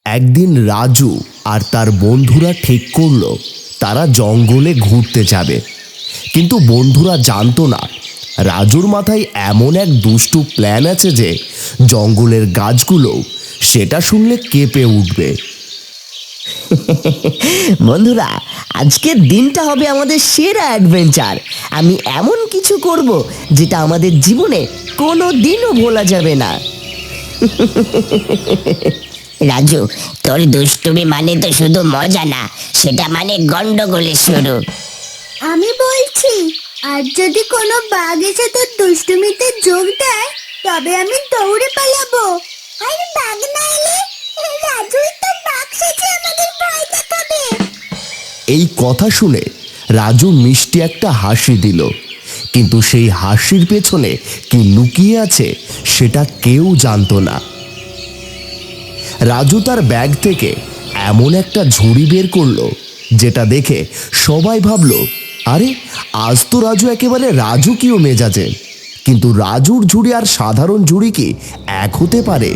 একদিন রাজু আর তার বন্ধুরা ঠিক করলো তারা জঙ্গলে ঘুরতে যাবে। কিন্তু বন্ধুরা জানতো না রাজুর মাথায় এমন এক দুষ্টু প্ল্যান আছে যে জঙ্গলের গাছগুলো সেটা শুনলে কেঁপে উঠবে। বন্ধুরা, আজকের দিনটা হবে আমাদের সেরা অ্যাডভেঞ্চার। আমি এমন কিছু করব যেটা আমাদের জীবনে কোনো দিনও ভোলা যাবে না। রাজু, তোর দুষ্টুমি মানে তো শুধু মজা না, সেটা মানে গন্ডগোলের শুরু। আমি বলছি, আর যদি কোনো বাঘ এসে তোর দুষ্টুমিতে যোগ দেয় তবে আমি দৌড়ে পালাবো। আর বাঘ না এলে রাজুই তো বাঘ সেজে আমাদের ভয় দেখাবে। এই কথা শুনে রাজু মিষ্টি একটা হাসি দিল, কিন্তু সেই হাসির পেছনে কি লুকিয়ে আছে সেটা কেউ জানতো না। রাজু তার ব্যাগ থেকে এমন একটা ঝুড়ি বের করলো যেটা দেখে সবাই ভাবলো, আরে আজ তো রাজু একেবারে রাজুকীয় মেজাজে। কিন্তু রাজুর ঝুড়ি আর সাধারণ ঝুড়ি কি এক হতে পারে?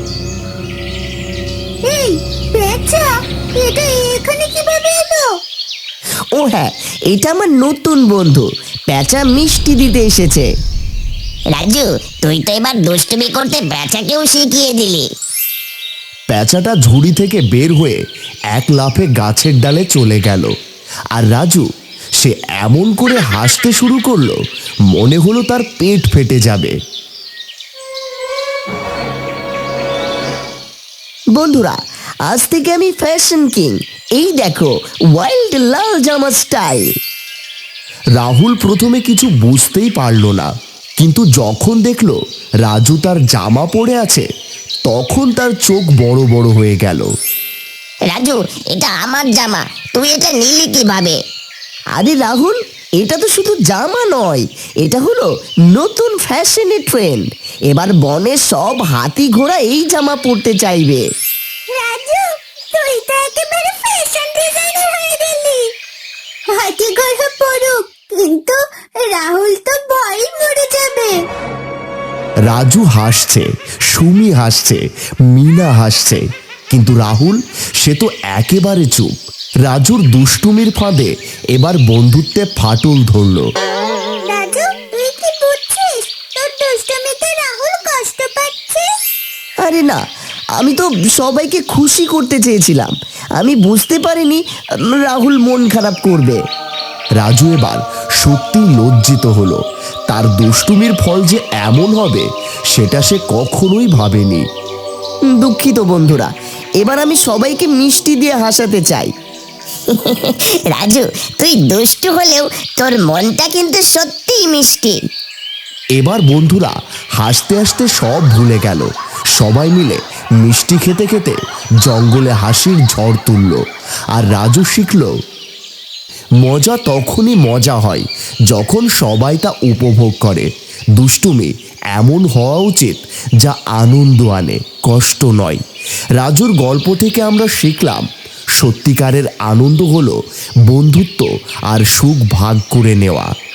এই পেঁচা, এটা এখানে কিভাবে এলো? ও হ্যাঁ, এটা আমার নতুন বন্ধু প্যাঁচা মিষ্টি দিতে এসেছে। রাজু, তুই তো এবার দুষ্টুমি করতে বেচাকেও শিখিয়ে দিলি। প্যাঁচাটা ঝুড়ি থেকে বের হয়ে এক লাফে গাছের ডালে চলে গেল। আর রাজু সে এমন করে হাসতে শুরু করলো, মনে হলো তার পেট ফেটে যাবে। বন্ধুরা, আজ থেকে আমি ফ্যাশন কিং। এই দেখো, ওয়াইল্ড লাল জামা স্টাইল। রাহুল প্রথমে কিছু বুঝতেই পারল না, কিন্তু যখন দেখলো রাজু তার জামা পরে আছে তখন তার চোখ বড় বড় হয়ে গেল। রাজু, এটা আমার জামা, তুই এটা নিলি কিভাবে? আরে রাহুল, এটা তো শুধু জামা নয়, এটা হলো নতুন ফ্যাশনের ট্রেন্ড। এবার বনে সব হাতি ঘোড়া এই জামা পরতে চাইবে। রাজু, তুই তো একেবারে ফ্যাশন ডিজাইনার হয়ে গেলি। হাতি ঘোড়া পড়ুক, কিন্তু রাহুল তো ভয় মরে যাবে। রাজু হাসছে, সুমি হাসছে, মিনা হাসছে, কিন্তু রাহুল সে তো একেবারে চুপ। রাজুর দুষ্টুমির ফাঁদে এবার বন্ধুত্বে ফাটল ধরল। রাজু, তুই কি বুঝছিস তোর দুষ্টুমিতে রাহুল কষ্ট পাচ্ছে? আরে না, আমি তো সবাইকে খুশি করতে চেয়েছিলাম। আমি বুঝতে পারিনি রাহুল মন খারাপ করবে। রাজু এবার সত্যি লজ্জিত হলো। তার দুষ্টুমির ফল যে এমন হবে সেটা সে কখনোই ভাবেনি। দুঃখিত বন্ধুরা, এবার আমি সবাইকে মিষ্টি দিয়ে হাসাতে চাই। রাজু, তুই দুষ্টু হলেও তোর মনটা কিন্তু সত্যিই মিষ্টি। এবার বন্ধুরা হাসতে হাসতে সব ভুলে গেল। সবাই মিলে মিষ্টি খেতে খেতে জঙ্গলে হাসির ঝড় তুলল। আর রাজু শিখল, মজা তখনই মজা হয় যখন সবাই তা উপভোগ করে। দুষ্টুমি এমন হওয়া উচিত যা আনন্দ আনে, কষ্ট নয়। রাজুর গল্প থেকে আমরা শিখলাম, সত্যিকারের আনন্দ হলো বন্ধুত্ব আর সুখ ভাগ করে নেওয়া।